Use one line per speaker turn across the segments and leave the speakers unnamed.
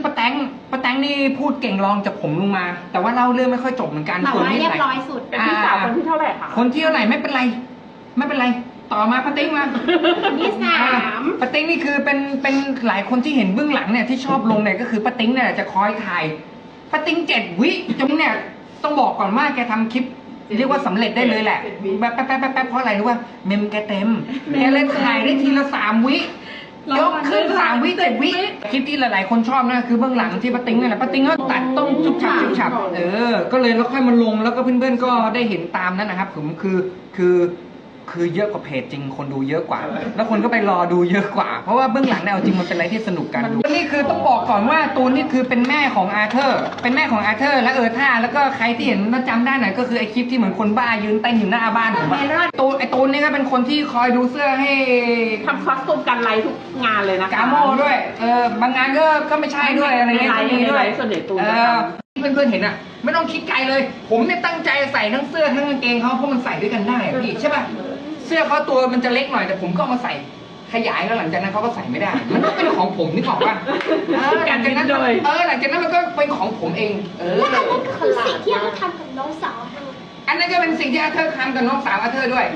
ป้าแตงนี่พูดเก่งรองจากผมลงมา แต่ว่าเล่าเรื่องไม่ค่อยจบเหมือนกัน
แต่ว่าเรียบร้อยสุดเป็นพี่สาวคนที่เท่าไหร่คะ
คนที่เท่าไหร่ไม่เป็นไรต่อมาป้าติ๊งมา
ที่3
ป้าติ๊งนี่คือเป็นหลายคนที่เห็นเบื้องหลังเนี่ยที่ชอบลงเนี่ยก็คือป้าติ๊งเนี่ยจะคอยถ่ายป้าติ๊ง7 วิจนเนี่ยต้องบอกก่อนว่าแกทำคลิปเรียกว่าสำเร็จได้เลยแหละแป๊บเพราะอะไรรู้ว่าเมมแกเต็มแกเลยถ่ายได้ทีละ3 วิยกขึ้น3 วิ7 วิคลิปที่หลายๆคนชอบนะคือเบื้องหลังที่ป้าติ๊งนี่แหละป้าติ๊งก็ตัดต้องชุบฉับก็เลยแล้วค่อยมาลงแล้วก็เพื่อนๆก็ได้เห็นตามนั้นนะครับผมคือเยอะกว่าเพจจริงคนดูเยอะกว่าแล้วคนก็ไปรอดูเยอะกว่าเพราะว่าเบื้องหลังเนี่ยเอาจริงมันเป็นอะไรที่สนุกกันดูนี่คือต้องบอกก่อนว่าตูนนี่คือเป็นแม่ของอาเธอร์และท่าแล้วก็ใครที่เห็นจำได้หน่อยก็คือไอคลิปที่เหมือนคนบ้ายืนเต้นอยู่หน้าบ้านผมตูนนี่ก็เป็นคนที่คอยดูเสื้อให้
ทำคอสตูมกันไลฟ์ทุกงานเลยนะ
กาโมด้วยบางงานก็ไม่ใช่ด้วยอะไรเงี้ยก็มีด้วย
ส่วนใหญ่ตูน
เพื่อนๆเห็นอ่ะไม่ต้องคิดไกลเลยผมเนี่ยตั้งใจใส่ทั้งเสื้อทั้งกางเกงเขาเพราะมันใส่ด้วยกันได้พี่ใช่ป่ะเสื้อเขาตัวมันจะเล็กหน่อยแต่ผมก็มาใส่ขยายแล้วหลังจากนั้นเขาก็ใส่ไม่ได้มันก็เป็นของผมนี่บอกว่าหลังจากนั้นหลังจากนั้นมันก็เป็นของผมเอง
และอันนั้นคือสิ่งที่อาเธอร์ทำกับน้องสาว
อันนั้นก็เป็นสิ่งที่อาเธอร์ทำกับน้องสาวอาเธอร์ด้วย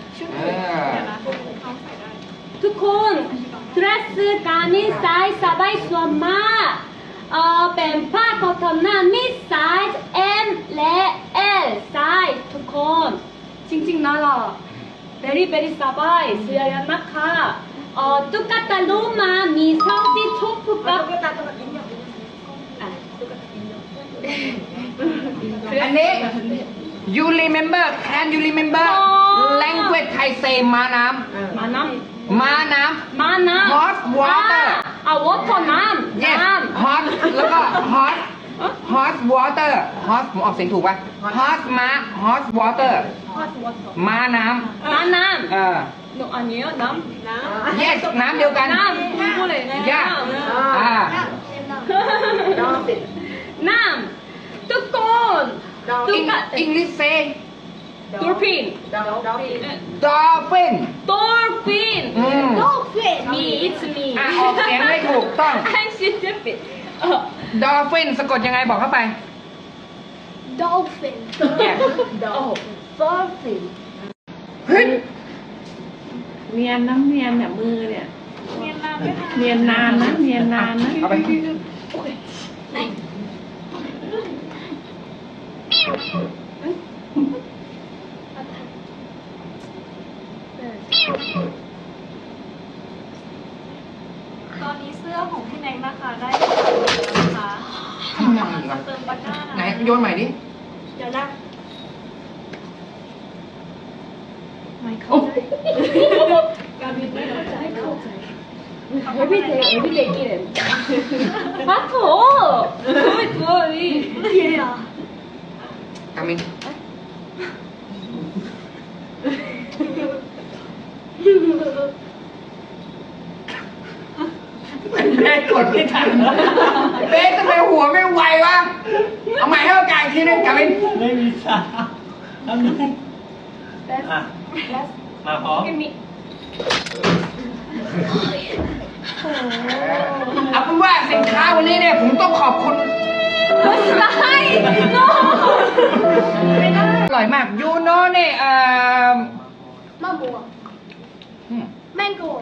ทุกคนดรสการนี้ไซส์สบายสวยมากเป็นผ้าคอตตอนนั้นมีไซส์ M และ L ไซส์ทุกคนจริงๆนะล่ะvery สบายเสื้อยันนะคะตุ๊กตาลูมามีสองที่ทุกกับ
อันนี้ you remember can you remember language Thai say ม้าน้ำ hot water
water น้ำ
hot แล้วก็ hot water hot ผมออกเสียงถูกป่ะ hot water ม้าน้ำ
no อันนี้น้ำ
yes น้ำเดียวกัน
น้ำพูดเลยนะน้ำทุกคน
English say
dolphin
dolphin
มี it's me
ออกเสียงไม่ถูกต้อง
I'm stupid
dolphin สะกดยังไงบอกเข้าไป
dolphin dolphin
เฮ้ย
เนียนเนี่ยมือเนี่ยเนียนนานนะ
เอาไป
ตอนนี้เสื้อของพี่แน็กนะคะได้แล้วนะคะ
ทำไมล่ะ
เติมตะกร้า
ไหนโยนใหม่ดิ
เดี๋ยวนะ
ไม่เข้าใจการบินไม่เข้าใจ
everydayกินมาโถไม่ตัวนี่
กามินเบสกดไม่ทันเบสทำไมหัวไม่ไววะเอาใหม่ให้โอกาสอีกทีนึงกามิน
ไม่มีสาทำนึงมาพร้อม
เอาเป็นว่าสินค้าวันนี้เนี่ยผมต้องขอบคุณอร่อยมากยูโน่เนี่ย
มะม่วงแมงโก้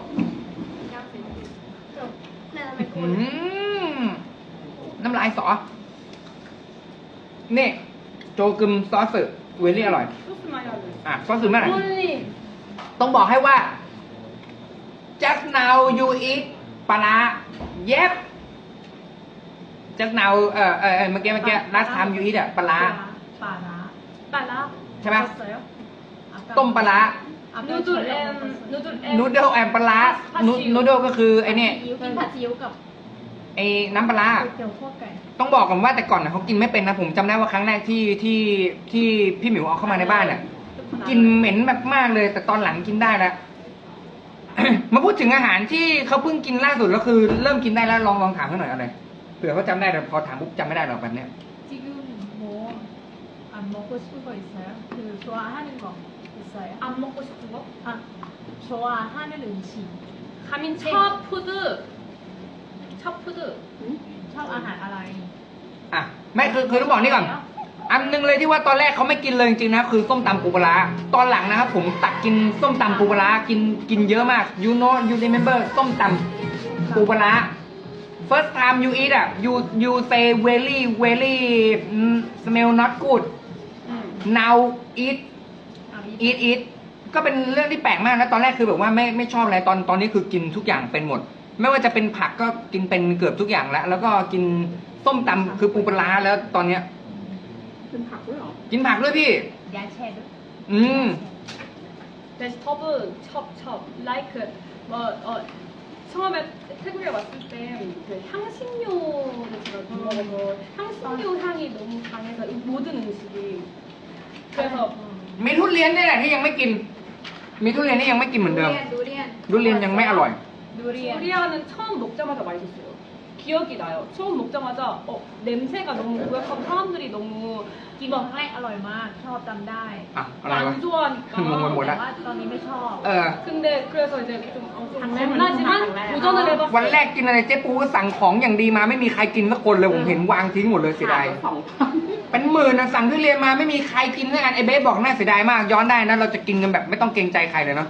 น้ำลายสอนี่โจกึมซอสเวลี่อร่อยซอสเมื่อไหร่ต้องบอกให้ว่า just now you eat ปลาเย็บ just now เมื่อกี้last time you eat ปลาใช่ไหมต้มปลานูเดิลแอมปลานูเดิลก็คือไอ้นี่
กินผัดซีอิ๊วกับ
ไอ้น้ำปลาต้องบอกก่อนว่าแต่ก่อนเขากินไม่เป็นนะผมจำได้ว่าครั้งแรกที่พี่หมิวเอาเข้ามาในบ้านเนี่ยกินเหม็นแบบมากเลยแต่ตอนหลังกินได้แล้ว มาพูดถึงอาหารที่เขาเพิ่งกินล่าสุดแล้วคือเริ่มกินได้แล้วลองถามเขาหน่อยอะไรเผื่อเขาจำได้แต่พอถามปุ๊บจำไม่ได้หรอกแบบเนี้ย
가민 첫 푸드
ชอบอาหารอะไร
อ่ะไม่คือต้องบอกนี่ก่อน อันหนึงเลยที่ว่าตอนแรกเขาไม่กินเลยจริงๆนะคือส้มตำปูปลาร้าตอนหลังนะครับผมตักกินส้มตำปูปลาร้ากินเยอะมาก you remember ส้มตำปูปลาร้า first time you eat อ่ะ you say very smell not good now eat ก็เป็นเรื่องที่แปลกมากนะตอนแรกคือแบบว่าไม่ชอบอะไรตอนนี้คือกินทุกอย่างเป็นหมด ไม่ว่าจะเป็นผักก็กินเป็นเกือบทุกอย่างแล้วก็กินส้มตำคือปูปลาร้าแล้วตอนเนี้ย
เป็นผักด้วยเหรอ
กินผักด้วยพี่
야채도.
vegetable chop like 뭐 처음에 태국에 왔을 때 그 향신료를 제가 먹어서 향신료 향이 너무 강해서 이 모든 음식이 그래서
มีทุเรียนนี่แหละที่ยังไม่กิน มีทุเรียนที่ยังไม่กินเหมือนเดิม
두리안.
ทุเรียนยังไม่อร่อย
두리안은 처음 먹자마자 맛있었어요. 기억이 나요. 처음 먹자마자 냄새가 너무 고약하고 사람들이 너무
กินบอกครั้งแรกอร่อยมาก ชอบจำได้
อ่ะอะไรวะ
안 좋아하니까
งงไปหมด
แต่
ละ
ว่าตอนนี้ไม่ชอบ
근데 그래서 이제 좀
장난은
겁나지만
장난.
도전을 해봤어요.
วันแรกกินอะไรเจ๊ปูก็สั่งของอย่างดีมาไม่มีใครกินสักคนเลยผมเห็นวางทิ้งหมดเลยเสียดาย
2,000
เป็นหมื่นนะสั่งทุเรียนมาไม่มีใครกินด้วยกันไอ้เบสบอกน่าเสียดายมากย้อนได้นะเราจะกินกันแบบไม่ต้องเกรงใจใครเลยเนาะ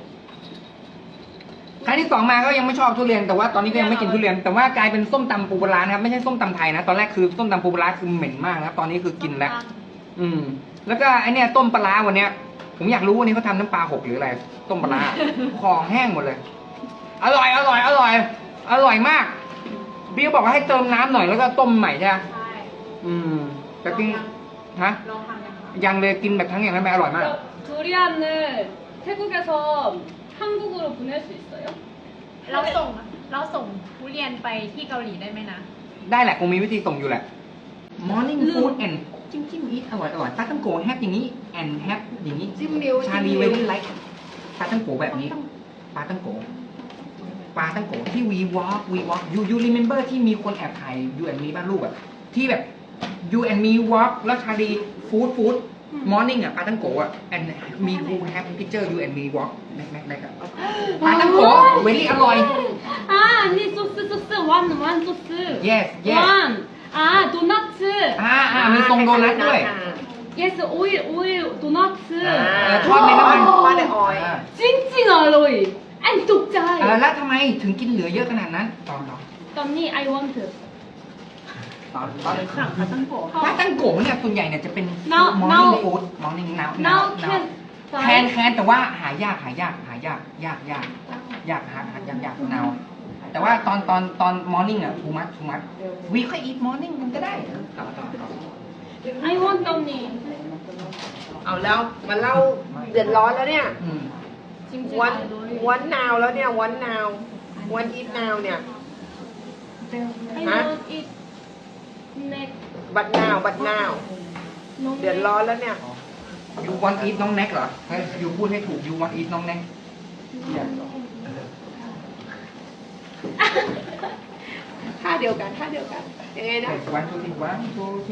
ครั้งที่สองมาก็ยังไม่ชอบทุเรียนแต่ว่าตอนนี้ก็ยังไม่กินทุเรียนแต่ว่ากลายเป็นส้มตำปูปลาร้านะครับไม่ใช่ส้มตำไทยนะตอนแรกคือส้มตำปูปลาร้าคือเหม็นมากนะครับตอนนี้คือกินแล้ว แล้วก็ไอเนี่ยต้มปลาร้าวันเนี้ยผมอยากรู้วันนี้เขาทำน้ำปลาหกหรืออะไรต้มปลาร้า ของแห้งหมดเลย อร่อยมากพี่ก็บอกว่าให้เติมน้ำหน่อยแล้วก็ต้มใหม่ใช่ไหม
ใช่
แต่กินฮะ
ลองทำกันค่ะ
ยังเลยกินแบบทั้งอย่างนั้นไม่อร่อยมาก
두리안을 태국에서 한국으로 보낼 수 있어요?
เราส่งทุเรียนไปที่เกาหลีได้ไหมนะ
ได้แหละคงมีวิธีส่งอยู่แหละ Morning food and จิ้มอีทอร่อยปลาตั้งโกแฮปอย่างนี้ and แฮปอย่างนี้
จิ้มนิ้ว
ชาลีเวลี่ไลท์ปลาตั้งโกแบบนี้ปลาตั้งโกที่วีวอล์กyou remember ที่มีคนแอบถ่าย you and me บ้านรูปอะที่แบบ you and me walk แล้วชาลีฟู้ด morning อะปลาตั้งโกอะ and me who have picture you and me walk แม็กอะปลาตั้งโกเวลี่อร่อย
아 아니 소스 완 소스
yes
완 아 도너츠
มีทรงโดนัทด้วย
yes 오일 도너츠
ทอดในน้ำมัน
ว่าในออยล์
찡찡 알로이 안 독자이
แล้วทำไมถึงกินเหลือเยอะขนาดนั้นตอน
언니 I want
สั่งปลาตั้งโกะ
ปลาตั้งโกเนี่ยส่วนใหญ่เนี่ยจะเป็น
Now-
morning
now-
food morning now
now
แคน
can
แต่ว่าหายาก now แต่ว่าตอน morning อ่ะ too much we ค่อย eat morning มันก็ได้ต่อ
I want 언니
เอาแล้วมาเล่าเดือดร้อนแล้วเนี่ย
찡찡
วันนาวแล้วเนี่ยวันอีทนาวเนี่ย
I
Hả?
want it next
บัดนาวเดือดร้อนแล้วเนี่ย
you want eat น้องแน็กเหรอเฮ้ย you พูดให้ถูก you want eat น้องแน็ก
ท่าเดียวกันยังไงนะ
วันทูที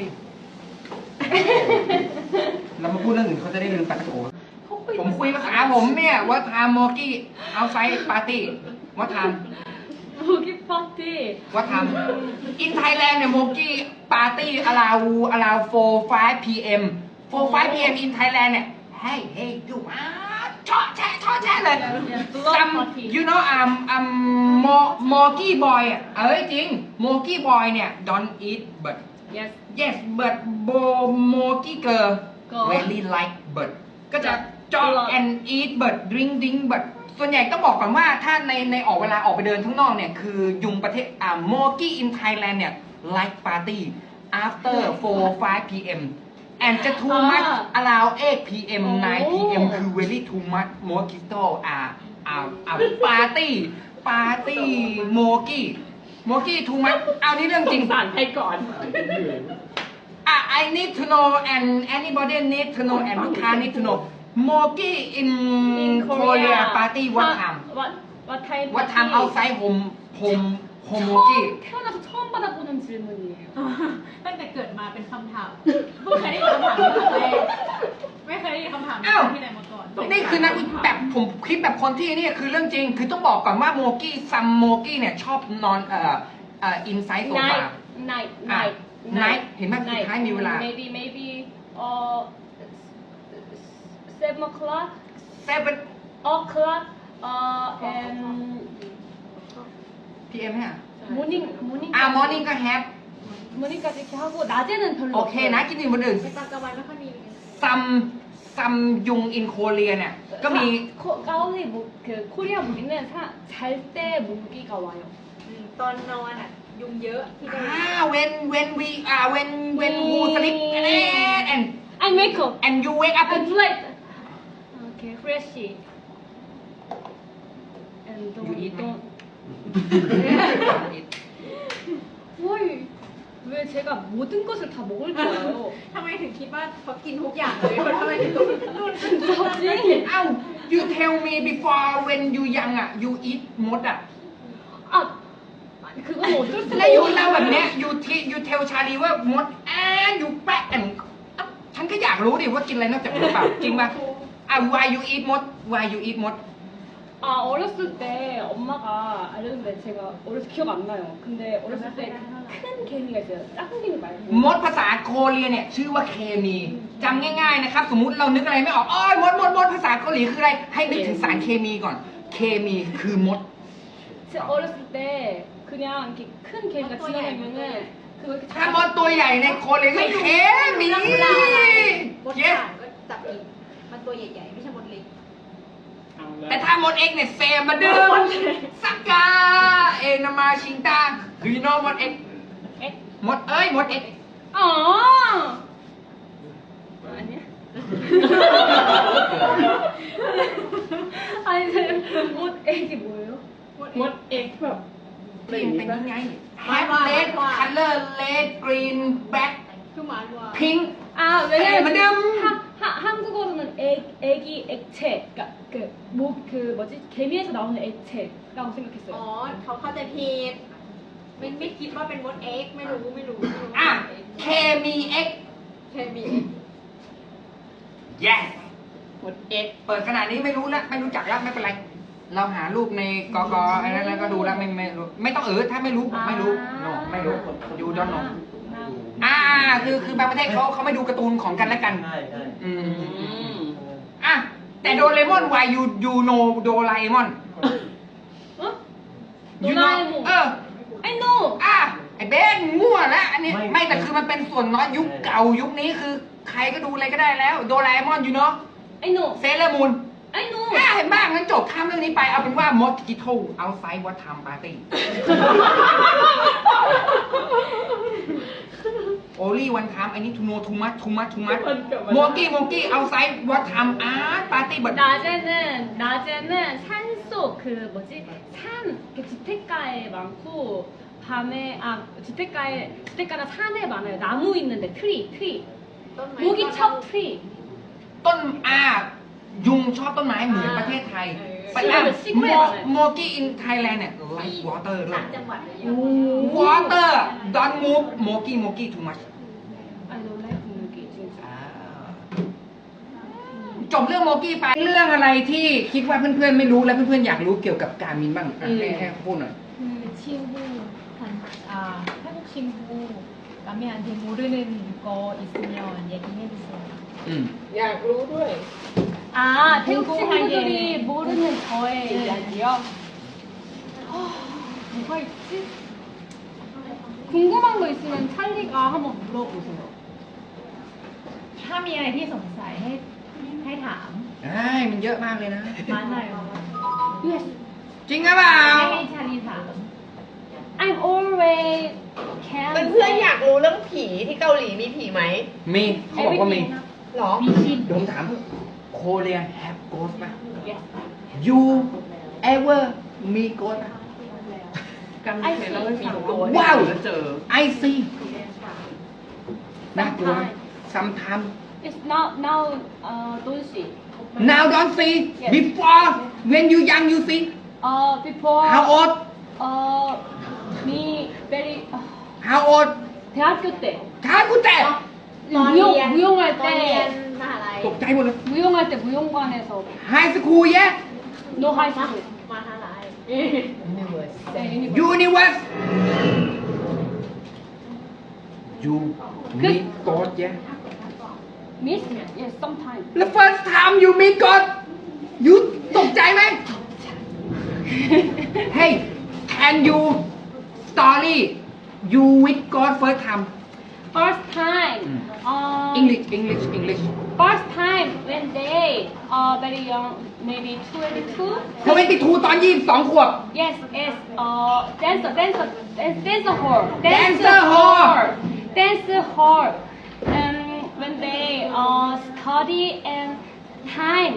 เรามาพูดเรื่องอื่นเขาจะได้ลืมปาตั้งโกผมคุยภาษาผมเนี่ยว่าทำโมกี้เอาไซด์ปาร์ตี้ว่าทำ
모기 파티
ว่าทำ in Thailand เนี่ยโมกี้ปาร์ตี้ allow 4-5 p.m. 4-5 p.m. in Thailand เนี่ย hey you ชอแช่เลย some you know Mogi boy อ่ะจริง Mogi boy เนี่ย don't eat but
yes
but Mogi girl very like but ก็จะand eat but drink but ส่วนใหญ่ต้องบอกก่อนว่าถ้าในออกเวลาออกไปเดินข้างนอกเนี่ยคือยุงประเทศMogi in Thailand เนี่ย like party after 4-5 p.m. and จะ too much allow 8 p.m. 9 p.m. คือ very too much mojito party Mogi too much เอานี่เรื่องจริง
สั่นให้ก่อน
I need to know and anybody need to know and ลูกค้า need to know Mogi in Korea party what time what time outside home Mogi
태어나서 처음 받아보는 질문이에요
ตั้งแต่เกิดมาเป็นคำถามเพิ่งเคยได้ยินคำถามนี้ครั้งแรกไม่เคยได้ยินคำถามนี้ที่ไหนมาก่อน
นี่คือนักแบบผมคลิปแบบคนที่นี่คือเรื่องจริง คือต้องบอกก่อนว่าโมกี้ซัมโมกี้เนี่ยชอบนอน inside sofa
night night
อ่ะ
night
night เห็นไหมสุดท้ายมีเวลา
maybe 7 o'clock
7
o'clock and
PM ฮะ
morning
morning ก็ have
morning까지 이렇게 하고 낮에는 별로
โอเคนะคิดถึงคนอื่น
ในตอนกลางวันไม่ค่อยมีเลย
ซัมยุง in Korea เนี่ยก็มี
가을이 그 코리아 무기는 잘 때 모기가 와요.
ตอนนอนอ่ะ ยุงเยอะที่เกาหลี
when who sleep and
I wake up.
and you wake up
I do like okay freshy. And
You eat me?
Why? 왜 제가 모든 것을 다 먹을 거예요?
ทำไมถึงคิดว่าเขากินทุกอย่างเลยทำไมถึงต้องนู่น
진짜지?
เอ้า you tell me before when you young อ่ะ you eat มดอ่ะ
아 그건 어쩔 수가
แล้วอยู่
없어요.
เล่าแบบเนี้ย you tell ชาลีว่ามดyou แปะฉันก็อยากรู้ดิว่ากินอะไรนอกจากมดเปล่าจริงป่ะwhy you eat มด why you eat มด
아 어렸을 때 엄마가 알려줬는데 제가 어렸을 때 기억 안 나요. 근데 어렸을 때 큰 개미가 있어요. 작은 개미 말고.
มดภาษาโคเรียเนี่ยชื่อว่าเคมีจำง่ายๆนะครับ สมมุติเรานึกอะไรไม่ออกอ้อยมดภาษาเกาหลีคืออะไร ให้นึกถึงสารเคมีก่อน เคมีคือมด
제가 어렸을 때 그냥 이렇게 큰 개미가 지나가면은 그거 이렇게
ถ้ามดตัวใหญ่ในโคเรียก็เคมี
มด
yes
ข่างก็จับกินมันตัวใหญ่ๆ ไม่ใช่มดเล็ก
แต่ถ้ามดเอ็กเนี่ยเซมมาเดิมสักกาเอนามาชิงตา do you know มดเอ็ก
엑?
มดมดเอ็ก
아 아니야? 아니 못 액이 뭐예요?
มดเอ็กแบบ
ที่มันเป็นยังไง have red color red green black
คือหมาวัว
pink
아 왜냐면
madam.
한국어로는 애기 액체 그러니까 그 뭐지 개미에서 나오는 액체라고
อ๋อ
생각했어요.
เขาเข้าใจผิดไม่คิดว่าเป็นมดเอ็กไม่รู้
อ่ะเคมีเอ็ก
เคมี
yes
มดเอ็ก
เปิดขนาดนี้ไม่รู้แล้วไม่รู้จักแล้วไม่เป็นไร เราหารูปในกกอะไรนั้นแล้วก็ดูแล้วไม่รู้ไม่ต้องถ้าไม่รู้ไม่รู้ no ไม่รู้ you don't know คือบางประเทศเขาไม่ดูการ์ตูนของกันและกัน
ใช่
อืมอ่ะแต่โดเรมอน why you know โดราเอมอน
어?
you know
도라에몽. I know.
ไอ้เบนมั่วแล้วอันนี้ไม่แต่คือมันเป็นส่วนน้อยยุคเก่ายุคนี้คือใครก็ดูอะไรก็ได้แล้วโดราเอมอนอยู่เนาะ
I know.
เซเลอร์มูน
I know.
เห็นบ้างงั้นจบข้ามเรื่องนี้ไปเอาเป็นว่ามอสกิโตเอาไซด์วัดทำปาร์ตี้ only one time I need to know too much 모기 outside what time party but
낮에는 산속 그 뭐지 산 이렇게 주택가에 많고 밤에 주택가나 산에 많아요. 나무 있는데 트리
ต้นไม้
모기 첩 트리
ต้นยุงชอบต้นไม้เหมือนประเทศไทยไปโมกี้ in Thailand เนี่ย like water ด้ว
ต่าย งจังหวัดอะไรอย่างเงี้ย
water don't move mogi too much
I don't like 모기 진짜.
จบเรื่องโมกี้ไปเรื่องอะไรที่คิดว่าเพื่อนๆไม่รู้และเพื่อนๆอยากรู้เกี่ยวกับการมินบ้างให้พูดหน่อย
한국 친구 남매한테 모르는 거 있으면 얘기해주세요.
อยากรู้ด้วย
아 태국 친구들이 모르는 저의 이야기요. 뭐가 있지? 궁금한 거 있으면 찰리가 한번 물어보세요.
ถ้ามีอะไรที่สงสัยให้ถาม
มันเยอะมากเลยนะ
많아요.
Yes.
จริงหรือเปล่า
ให้ชาลีถาม
I'm always can.
เพื่อนๆอยากรู้เรื่องผีที่เกาหลีมีผีไหม
มีเขาบอกว่ามี
หรอ
เดี๋ยวผมถามโคเรีย have ghost ไหม
Yes.
you ever มี ghost ไหม
กันเคยเล่าให้ฟังโดน
ว้าว
แล้วเจอ
I see น่ากลัวไหม sometimes
It's now don't see.
now don't see
Yes.
before when you young you see
Before.
how old
me very
how old
대학교 때
ท้ากูแต่
무용할
ตอนเรียน
때
มหาลัย
ตกใจหมดเลย
무용할 때 무용관에서
high school yeah
no high school.
มหาลัย
네,
universe you meet God yeah
Miss yes sometimes
แล้ว first time you meet God you ตกใจไหม Hey can you story you with God first time
first time
English
first time when they are very young maybe 22
22 ตอน22 ขวบ
yes yes dancer hall dancer hall when they study and time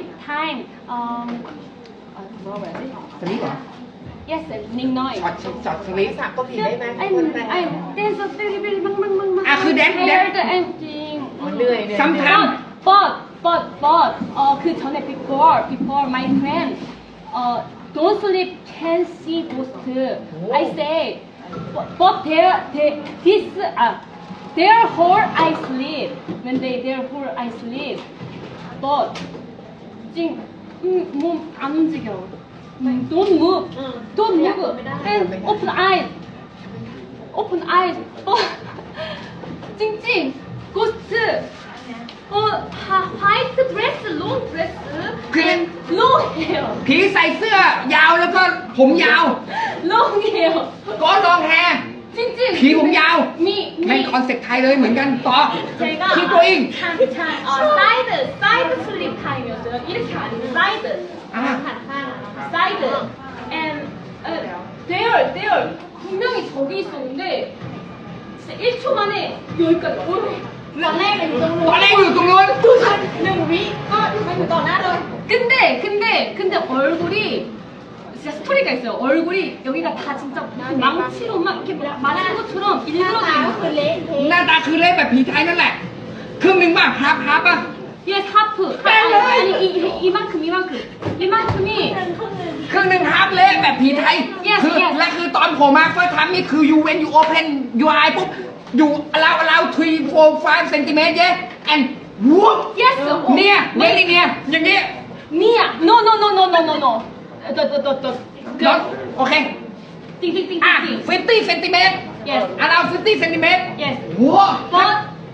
뭐라고 해야지
สลิปเหรอ
yes 닝너이
ช็อตสลิป
ภาษาเกาหลีได้ไหม
I'm dancer very mang
อ่ะคือ dance
tired acting
เหนื่อย
sometimes
but 그 전에 before my friend don't sleep can see ghost I say but their whole I sleep when their whole I sleep but 몸안 움직여 don't move and open eyes 찡찡 ghost white dress long dress and long hair
ผีใส่เสื้อยาวแล้วก็ผมยาว
long hair
ก็ลองแฮร์
찡찡
ผีผมยาว
me
แม่งคอนเซ็ปต์ไทยเลยเหมือนกันต่อ
제가
keep going
사이드 슬립 타임이었어요. 이렇게 아니고 사이드
아.
사이드 and there 분명히 저기 있었는데 진짜 1초 만에 여기까지
ตอนแรกอยู่ตรง
ตอนแรกอยู่ตรงนู้น
1 วิก็มาอยู่ต่อหน้าเลย
근데 얼굴이 진짜 스토리가 있어요. 얼굴이 여기가 다 진짜 무슨 망치로 막 이렇게 맞은 것처럼
หน้าตา
일그러져
ก็คือเละเทะ
หน้าตาคือเละแบบผีไทยนั่นแหละครึ่งหนึ่งป่ะฮาร์ปป่ะ
Yes, 하프. 아니 이만큼이
ครึ่งหนึ่งฮาร์ปเละแบบผีไทย
Yes,
คือ
yes.
และคือตอนผมมาเฟิร์สทัมนี่คือ you when you open your eye ปุ๊บ you allow 3 4 5 centimeter yeah and whoop
yes.
เนี่ยเนี่ยอย่างนี้
니야. No. 너.
not โอเค
띵띵띵띵.
อ่ะ50 centimeter
Yes.
allow 50 centimeter
Yes.
ว้า
But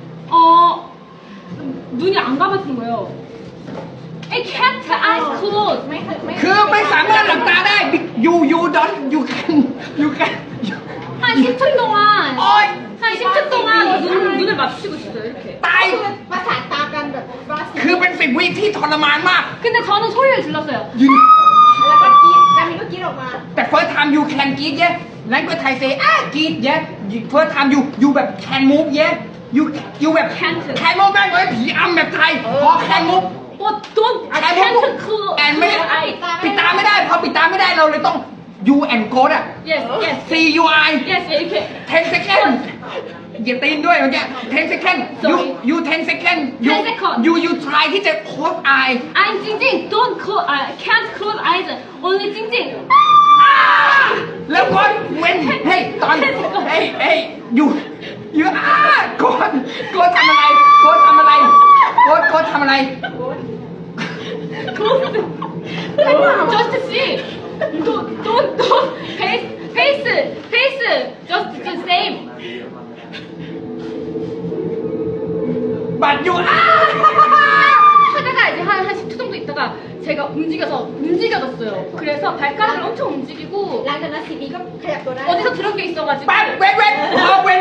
눈이 안 감았던 거예요. I can't eyes closed.
คือไม่สามารถหลับตาได้ you don't you can
한 10초 동안.
โอ๊ย
한 10초 동안 눈을 맞추고 있어요 이렇게.
ตาย
ประสานตากันแบบว่าสิ
คือเป็น10 วิที่ทรมานมาก
근데 저는 소리를 질렀어요.
ยืน
แล้วก็กรี๊ดการมินก็กรี๊ดออกมา
แต่ first time you can กรีดเย้นั่นก็ไทยเซกรีดเย้ first time you แบบ can move เย้ you แบบ
Can't.
can move แม่งเลยผีอำแบบไทยพอ can move
But don't. I
can
can't
move
close.
and ไม่
I.
ปิดตาไม่ได้พอปิดตาไม่ได้เราเลยต้อง you and go อ่ะ
Yes.
C U I
Yes. 이렇게.
10 second เหยียบตีนด้วยเมื่อกี้10 second you 10 second
10 second.
you try ที่จะ close eye
I'm 찡찡. Don't close. I can't close eyes. Only 찡찡.
แล้วก็เว้นเฮ้ยตอนเฮ้ยอยู่โกดทำอะไรโกดทำอะไร
Just see. Don't. Face. Just the same.
บัดอยู่
하다가 이제 한 10초 정도 있다가 제가 움직여졌어요. 그래서 발가락을 엄청 움직이고
หลังจากนั้นซีดีก็ขยับตัวได้
어디서 들은 게 있어가지고
ปัดเว้น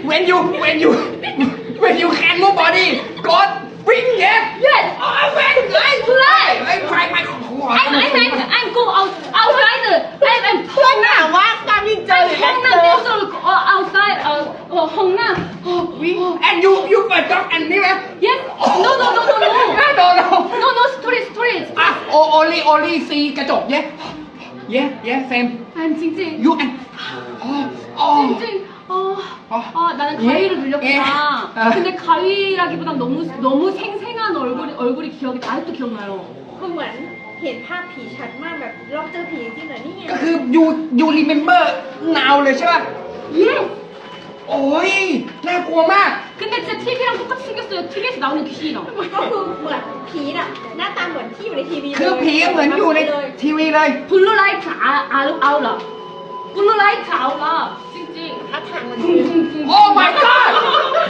when you can move body กดวิ่งเย้
Yes.
เว้นไอ้ไปหัว
I'm go outside. I'm
เพื่อนถามว่าการมินเจอหรือแอนเจ
홍남
อ
댄서로 outside. 홍남.
and you เปิดจ็อกอันนี้ไหม
Yes. No. No. Story.
อ่ะonly see กระจกเย้ same
I'm 찡찡.
you and
찡찡. 나는 가위를 눌렸구나. 근데 가위라기보단 너무 생생한 얼굴이 기억이 아직도 기억나요.
คือเหมือนเห็นภาพผีชัดมากแบบเราเจอผีจริงเหรอนี่ไง
ก็คือ you remember now เลยใช่ป่ะ
Yes.
โอ้ยน่ากลัวมาก
근데 진짜 TV랑 똑같이 생겼어요. TV에서 나오는 귀신이랑.
ก็คือเหมือนผีน่ะหน้าตาเหมือนที่อยู่ในทีวีเลย
คือผีเหมือนอยู่ในทีวีเลย
블루라이트 아울라. 블루라이트 아울라. 찡찡.
ท่าทางมัน
โอ้ my god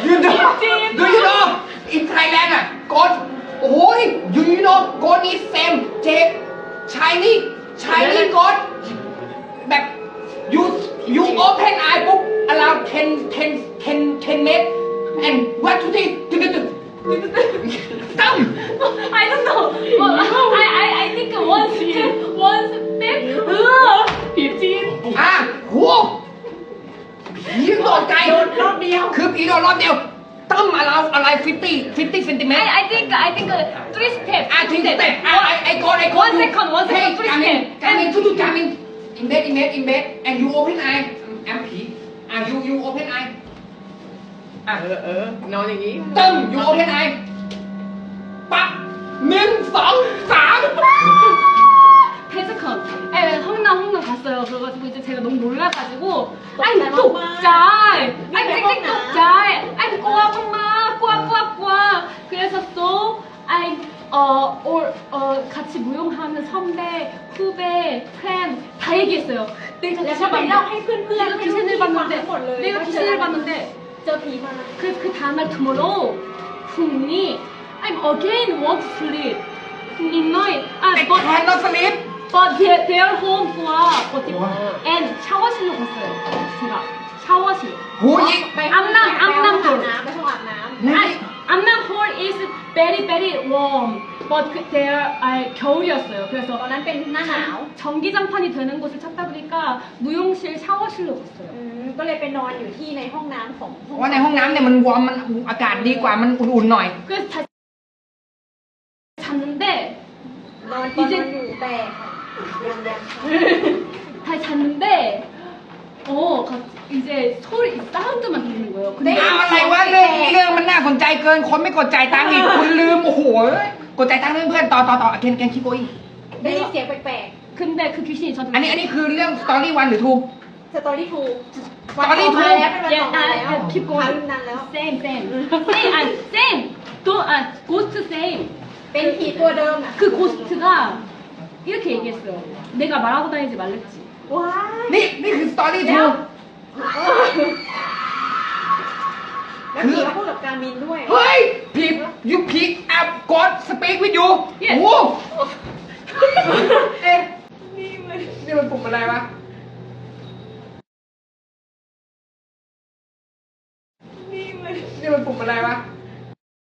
ทุกทีตั้ม
I don't know. I think one step.
ผีจีน
โหผีโดดไกล
โดนรอบเดียว
คือผีโดดรอบเดียวตั้มอะไร50เซนติเมตร
I think 3 steps.
ทิ้งสเต็ปไอโกน
One second, 3 steps.
กามินทุกๆกามินอินเบส and you open eye แอมผีyou open eye
นอนอย่างนี้
ตึ้ม you open eye ปั๊บ1 2 3
태즈컨. 홍남 갔어요. 그래가지고 이제 제가 너무 놀라가지고 I'm 독자이. I'm 찡찡 독자이. I'm 꼬아. 그래서 또 I'm 같이 무용하는 선배, 후배, 프렌드 다 얘기했어요. 내가
แล้วก็ไปเล่าให้เพื่อนๆ
내가 귀신을
ฟัง
봤는데
ทั้งหมดเลย
내가 귀신을 봤는데
เจอผีมา
그 다음날 tomorrow 훈이 I'm again want to sleep. midnight.
I cannot sleep.
But their home and 샤워실로 갔어요. 제가 샤워실.
หูยิง
ไปห้องน้ำ
암남
ไปห้อง
hall.
น้ำไปห้องอาบน้ำ
암남 hall is very warm. But there 겨울이었어요.
ต
그래서
อนนั้นเป็นหน้าหนาว
전기장판이 되는 곳을 찾다 보니까 무용실 샤워실로 갔어요.
ก็เลยไปนอนอยู่ที่ในห้องน้ำของ
เพราะว่าในห้องน้ำเนี่ยมันวอร์มมันอากาศดีกว่ามันอุ่นๆหน่อย
그래서 다시 잤는데
นอนตอนนอนอยู่แต่ยังค่ะ
다시 잤는데 이제 소리 사운드만 들리는 거예요.
ได้
근데
ยิน
อะไรวะเรื่องมันน่าสนใจเกินคนไม่กดจ่ายตังค์อีกคุณลืมโอ้โหกดจ่ายตังค์เพื่อนๆต่อเคนคิโกอี
ได้ยินเสียงแปลก
근데 그 귀신이 저한테
อันนี้คือเรื่องสตอรี่วันหรือทู
ๆสตอรี่ทู
Story
มา
two
แล้วเป็นวันต่อมาแล้ว
keep
ข่าว
going.
ลืมนานแล้ว
same. ghost same.
เป็นผีตัวเดิมอ่ะ
그 고스트가 이렇게 얘기했어요. 내가 말하고 다니지 말랬지.
ว้าย
นี่คือสตอรี่ทู
แล้วผีก็พูดกับการมินด้วย
เฮ้ยผีแอบกดสปีกวิดยู
Yes
โอ้โหเอ๊ะนี่มันปุ่มอะไรวะ